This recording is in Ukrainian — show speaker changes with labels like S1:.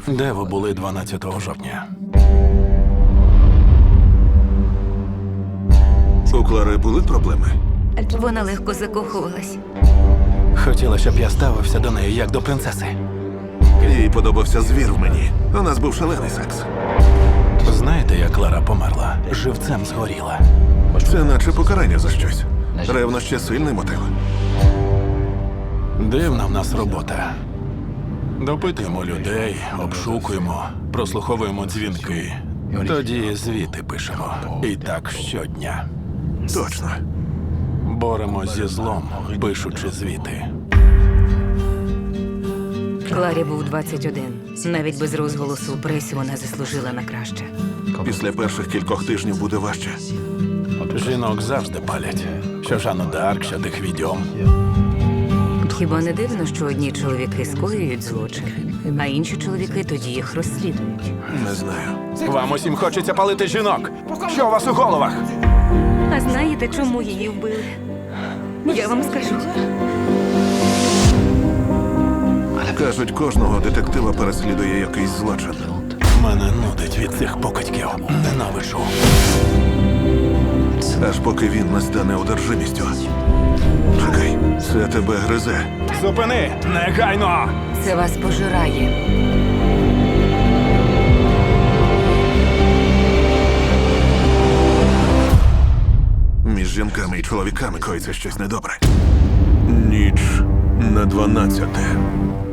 S1: Де ви були 12 жовтня?
S2: У Клари були проблеми?
S3: Вона легко закохувалась.
S1: Хотіла, щоб я ставився до неї як до принцеси.
S2: Їй подобався звір в мені. У нас був шалений секс.
S1: Знаєте, як Клара померла? Живцем згоріла.
S2: Це наче покарання за щось. Ревнощі – сильний мотив.
S1: Дивна в нас робота. Допитуємо людей, обшукуємо, прослуховуємо дзвінки. Тоді звіти пишемо. І так щодня.
S2: Точно.
S1: Боремось зі злом, пишучи звіти.
S3: Кларі був 21. Навіть без розголосу у пресі вона заслужила на краще.
S2: Після перших кількох тижнів буде важче.
S1: Жінок завжди палять. Що Жанну д'Арк, що тих відьом.
S3: Хіба не дивно, що одні чоловіки скоюють злочин, а інші чоловіки тоді їх розслідують?
S2: Не знаю.
S1: Вам усім хочеться палити жінок. Що у вас у головах?
S3: А знаєте, чому її вбили? Я вам скажу.
S2: Кажуть, кожного детектива переслідує якийсь злочин.
S1: Мене нудить від цих покидьків. Ненавиджу.
S2: Аж поки він не стане одержимістю. Чекай, це тебе гризе.
S1: Зупини! Негайно!
S3: Це вас пожирає.
S2: Між жінками і чоловіками коїться щось недобре. Ніч на 12.